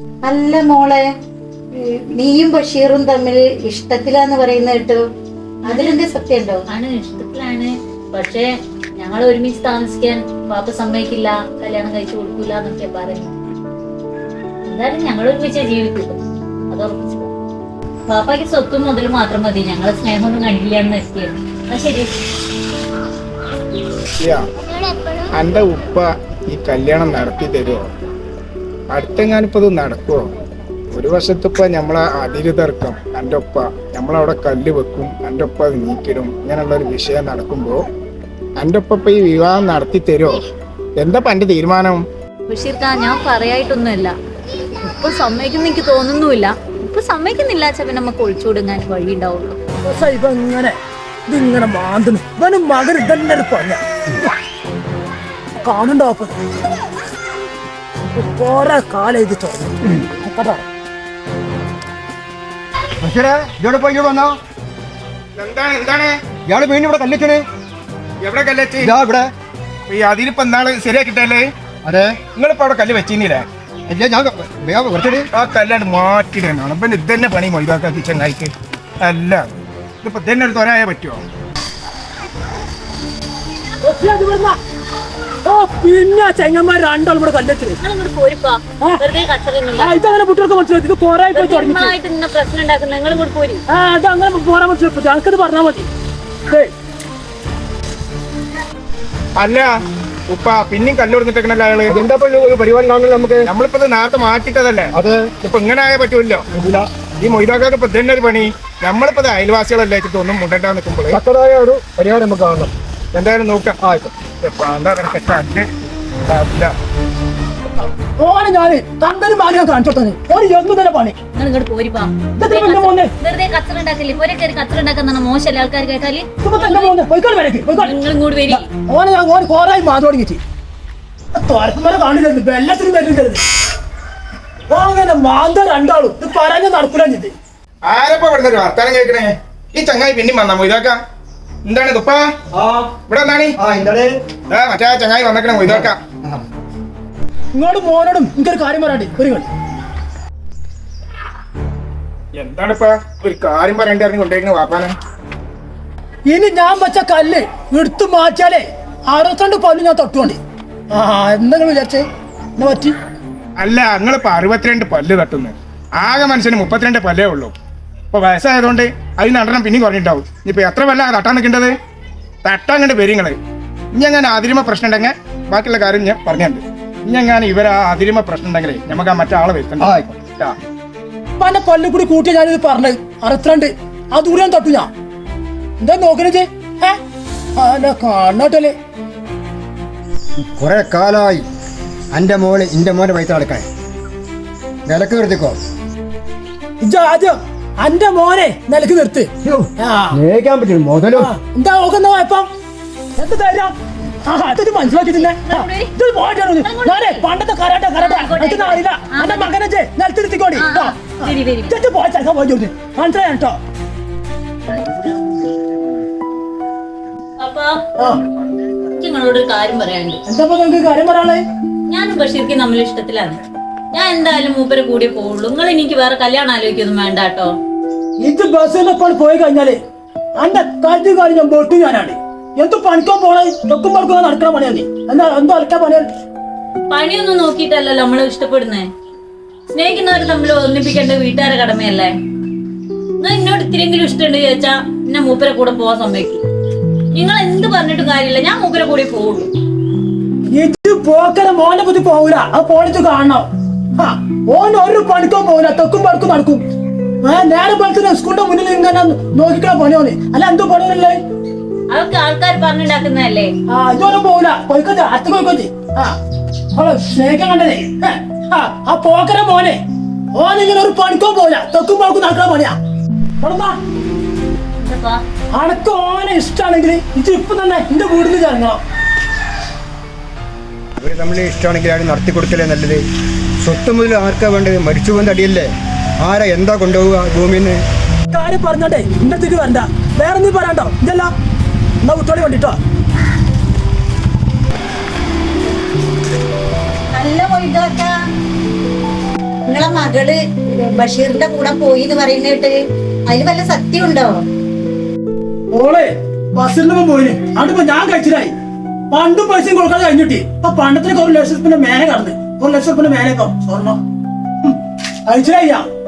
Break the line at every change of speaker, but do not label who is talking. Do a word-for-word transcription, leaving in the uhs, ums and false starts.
അല്ല മോളെ, നീയും ബഷീറും തമ്മിൽ ഇഷ്ടത്തിലാന്ന് പറയുന്ന കേട്ടു. അതിലെന്ത് സത്യമുണ്ടോ?
ആണ്, ഇഷ്ടത്തിലാണ്. പക്ഷെ ഞങ്ങൾ ഒരുമിച്ച് താമസിക്കാൻ പാപ്പ സമ്മതിക്കില്ല, കല്യാണം കഴിച്ചു കൊടുക്കൂല എന്നൊക്കെ പറഞ്ഞു. എന്തായാലും ഞങ്ങൾ ഒരുമിച്ച് ജീവിക്കുള്ളൂ, അത് ഉറപ്പിച്ചു. പാപ്പയ്ക്ക് സ്വത്തും മുതലും മാത്രം മതി, ഞങ്ങളെ സ്നേഹമൊന്നും കണ്ടില്ല എന്ന് എത്തിയത്. അത് ശരി.
എന്റെ ഉപ്പ ഈ കല്യാണം നടത്തി തരുമോ? അടുത്തെങ്ങാനിപ്പോ ഇത് നടക്കുവോ? ഒരു വർഷത്തിപ്പ നമ്മളെ അതിര് തർക്കം, എൻ്റെ ഒപ്പ നമ്മളവിടെ കല്ല് വെക്കും, എൻ്റെ ഒപ്പ അത് നീക്കിടും, ഇങ്ങനെയുള്ള ഒരു വിഷയം നടക്കുമ്പോ എൻ്റെ ഒപ്പ ഇപ്പൊ ഈ വിവാഹം നടത്തി തരുമോ? എന്താ എന്റെ തീരുമാനം?
ബഷീർക്കാ, ഞാൻ പറയായിട്ടൊന്നുമല്ല. ഉപ്പ് സമ്മതിക്കുന്ന എനിക്ക് തോന്നുന്നുമില്ല. ഉപ്പ് സമ്മതിക്കുന്നില്ല വെച്ചാൽ പിന്നെ നമുക്ക് ഒളിച്ചുകൊടുങ്ങാൻ വഴി ഉണ്ടാവുള്ളൂ.
ഇങ്ങനെ ഇതിങ്ങനെ മാന്തുന്നു ഇവനും മകൻ ഇതന്നെ പറഞ്ഞ കാണുണ്ടോ? കൊറേ കാലം ഇത് ചോദിച്ചു.
ഇവിടെ പോയി വന്നോ?
എന്താണ് എന്താണ്
ഇയാള് വീണ്ടും ഇവിടെ കല്ലെച്ചണ്?
എവിടെ കല്ലെത്തി?
ഇതാ ഇവിടെ.
ഈ അതിലിപ്പോ എന്നാള് ശരിയാക്കിട്ടല്ലേ?
അതെ,
നിങ്ങളിപ്പോ അവിടെ കല്ല് വെച്ചില്ലേ?
അല്ല, ഞാൻ കുറച്ചടി
ആ കല്ലാണ് മാറ്റിടാനാണ്. പിന്നെ ഇതന്നെ പണി മൊയ്താക്കി ചെങ്ങായിക്ക്. അല്ല, ഇതിപ്പോ ഇതന്നെ ഒരു തൊരായ പറ്റുമോ?
പിന്നെ ചെങ്ങന്മാർ രണ്ടാളും കൂടെ കല്ലെത്തില് ഇതങ്ങനെ കുട്ടികൾക്ക് മനസ്സിലായി. ഇത് കൊറേ പോയി തുടങ്ങി
പ്രശ്നം ഉണ്ടാക്കുന്നത് നിങ്ങൾ കൂടെ പോരി.
ആ അതങ്ങനെ പോരാൻ മനസ്സിലാക്കും. ഞങ്ങൾക്കത് പറഞ്ഞാൽ മതി.
അല്ല ഉപ്പ പിന്നെയും കല്ല് കൊടുത്തിട്ടേക്കണല്ലോ അയാള്.
എന്താ ഒരു പരിപാടി കാണുന്നത് നമുക്ക്?
നമ്മളിപ്പോ ഇത് നേരത്തെ മാറ്റിട്ടതല്ലേ?
അത്
ഇപ്പൊ ഇങ്ങനെ ആയാൽ പറ്റൂല്ലോ. ഈ മൊയ്താക്കാർക്ക് ഇപ്പൊ ഇതന്നെ ഒരു പണി. നമ്മളിപ്പോ അയൽവാസികളല്ലേ ഒന്നും മുണ്ടണ്ടാ നിൽക്കുമ്പോഴേ
തക്കതായ ഒരു പരിപാടി നമുക്ക് കാണണം.
എന്തായാലും നോക്കാം.
ഓനെ ഞാന് തന്തനും ഭാഗ്യം കാണിച്ചോട്ടെ. ഓന് എന്തു തന്നെ പണി.
നിങ്ങൾ ഇങ്ങോട്ട് പോരിപ്പാ. വെറുതെ കച്ചറ ഉണ്ടാക്കില്ലേ? പോരെ കയറി കച്ചറ ഉണ്ടാക്കുന്ന മോശമല്ലേ ആൾക്കാർ കേട്ടാല്? നിങ്ങൾ ഇങ്ങോട്ട് വരി.
ഓനെ ഞാൻ ഓന് കോറായി മാറി തുടങ്ങിട്ട് തുറക്കുമ്പോൾ കാണില്ല, എല്ലാത്തിനും വരുന്നുണ്ട്. അങ്ങനെ മാന്ത രണ്ടാളും ഇത് പറഞ്ഞ നടക്കൂല.
ആരപ്പ ഇവിടെ ഒരു വർത്താനം കേൾക്കണേ? ഈ ചങ്ങായി പിന്നെയും വന്നാ മൊയ്താക്ക. എന്താണ് തുപ്പാ ഇവിടെ എന്താണ്? മറ്റേ ചങ്ങായി വന്നേക്കണേ മൊയ്താക്ക.
ഇങ്ങോട്ട് മോനോടും എനിക്കൊരു കാര്യം പറയാണ്ട് ഒരു കളി.
എന്താണിപ്പ ഒരു കാര്യം പറയണ്ടായിരുന്നു കൊണ്ടേക്കണ വാപ്പാനെ?
ഇനി ഞാൻ വെച്ച കല്ല് എടുത്തു മാറ്റിയാലേ അറുപത്തിരണ്ട് പല്ല് ഞാൻ തൊട്ടുകൊണ്ട്. ആ എന്തെങ്കിലും വിചാരിച്ചേ എന്നാ പറ്റി?
അല്ല, നിങ്ങളിപ്പോ അറുപത്തിരണ്ട് പല്ല് തട്ടുന്നു. ആകെ മനുഷ്യന് മുപ്പത്തിരണ്ട് പല്ലേ ഉള്ളൂ. ഇപ്പൊ വയസ്സായതുകൊണ്ട് അതിന് രണ്ടെണ്ണം പിന്നെയും കുറഞ്ഞിട്ടാവും. ഇപ്പൊ എത്ര പല്ല തട്ടാൻ നിൽക്കേണ്ടത്? തട്ടാൻ കണ്ട് വരിങ്ങള്. ഇനി അങ്ങനെ അതിരിമ പ്രശ്നം ഉണ്ടെങ്കിൽ ബാക്കിയുള്ള കാര്യം ഞാൻ പറഞ്ഞുണ്ട്. ഇനി അങ്ങനെ ഇവർ ആ അതിരിമ പ്രശ്നം ഉണ്ടെങ്കിലേ നമുക്ക് ആ മറ്റാളെ വരുത്തണ്ട.
പല പല്ല് കൂടി കൂട്ടി ഞാനിത് പറഞ്ഞത് അറുപത്തിരണ്ട്. ആ ദൂരം തട്ടു ഞാൻ. എന്താ നോക്കണേ? കാണാട്ടല്ലേ
കുറെ കാലായി എന്റെ മോള് എന്റെ മോനെ പൈസ അടക്കാൻ വിലക്ക് നിർത്തിക്കോ.
ആദ്യം എന്റെ മോനെ നിലക്ക് നിർത്ത്.
സ്നേഹിക്കാൻ പറ്റും മുതലോ.
എന്താ നോക്കുന്ന വായ്പം? എന്ത് തരാം? അതൊരു മനസ്സിലാക്കിയിട്ടില്ലേ? പണ്ടത്തെ കരാട്ട കരാട്ട അറിയില്ല. എന്റെ മകനെ നിലത്തിരുത്തിക്കോടി. മനസ്സിലായോ കേട്ടോ?
നിങ്ങളോട് ഒരു കാര്യം പറയാനുണ്ട്.
എന്താ നിങ്ങൾക്ക് കാര്യം പറയാളെ?
ഞാനും ബഷീർക്ക് തമ്മിൽ ഇഷ്ടത്തിലാണ്. ഞാൻ എന്തായാലും മൂപ്പരെ കൂടി പോവുള്ളൂ. നിങ്ങൾ എനിക്ക് വേറെ കല്യാണം ആലോചിക്കൊന്നും വേണ്ട കേട്ടോ.
ഇത് ബസ്സിലപ്പോൾ പോയി കഴിഞ്ഞാല് എന്റെ കാര്യം കാര്യം ഞാൻ പൊട്ടു ഞാനാണ്. എന്ത് പണിക്കാൻ പോണേ? തൊക്കും പറക്കുക നടക്കണ പണിയാണ്. എന്താ എന്തോ അലക്കാൻ പണിയാണ്?
പണിയൊന്നും നോക്കിയിട്ടല്ലല്ലോ നമ്മള് ഇഷ്ടപ്പെടുന്നേ. സ്നേഹിക്കുന്നവർ തമ്മിൽ ഒന്നിപ്പിക്കേണ്ട വീട്ടുകാരെ കടമയല്ലേ? നിങ്ങൾ എന്നോട് ഇത്തിരിയെങ്കിലും ഇഷ്ടമുണ്ട് ചോദിച്ചാ എന്നെ മൂപ്പരെ കൂടെ പോവാൻ സമ്മതിക്കും. നിങ്ങൾ എന്ത് പറഞ്ഞിട്ടും കാര്യമില്ല, ഞാൻ മൂപ്പരെ കൂടെ പോവുള്ളൂ.
ഇത് പോക്കര മോനെ പറ്റി പോകൂല. ആ പോണിച്ച് കാണണം. ആ ഓൻ ഒരു പണിക്കും പോകില്ല, തൊക്കും പടക്കും നടക്കും. നേരെ പോലത്തെ സ്കൂളിന്റെ മുന്നിൽ ഇങ്ങനെ നോക്കിക്കണ പണിയോന്. അല്ല എന്തോ പണിയല്ലേ?
അതൊക്കെ ആൾക്കാർ പറഞ്ഞിണ്ടാക്കുന്നതല്ലേ.
ആ ഇതൊന്നും പോകില്ല. പോയിക്കോട്ടെ, അത്ത പോയിക്കോട്ടെ. ആ അവളെ സ്നേഹിക്കാൻ കണ്ടതേ. ആ പോക്കര മോനെ ഓനിങ്ങനെ ഒരു പണിക്കോ പോകില്ല, തൊക്കും പടക്കും നടക്കണ പണിയാ. അനക്ക് ഓനെ ഇഷ്ടമാണെങ്കിൽ ഇത് ഇപ്പൊ തന്നെ എന്റെ വീടിന് ചേർന്നോ.
അവര് തമ്മിൽ ഇഷ്ടമാണെങ്കിൽ ആരും നടത്തി കൊടുക്കലേ നല്ലത്. സ്വത്ത് മുതൽ ആർക്കാ വേണ്ടത്? മരിച്ചു പോകുന്ന അടിയല്ലേ? ആരാ എന്താ കൊണ്ടുപോവുക ഭൂമിന്ന്?
കാര്യം പറഞ്ഞോട്ടെ എന്റെ അടുത്തേക്ക് വരണ്ട. വേറെ നീ പറയാണ്ടോ? ഇതല്ല എന്നാ കുട്ടോളി വേണ്ടിട്ടോ.
നല്ല മൊയ്താക്ക, നിങ്ങളെ മകള് ബഷീറിന്റെ കൂടെ പോയി എന്ന് പറയുന്നിട്ട് അതിൽ വല്ല സത്യം ഉണ്ടോ?
ഓളെ ബസ്സിലൊന്നും പോയിന് അതിപ്പോ ഞാൻ കഴിച്ചിട്ടായി. പണ്ടും പൈസയും കൊടുക്കാതെ കഴിഞ്ഞിട്ടി ഇപ്പൊ പണ്ടത്തിനൊക്കെ ഒരു ലക്ഷത്തിന്റെ മേലെ കടന്ന് ഒരു ലക്ഷം റുപ്യന്റെ മേലെ സ്വർണം കഴിച്ചിട്ടായി.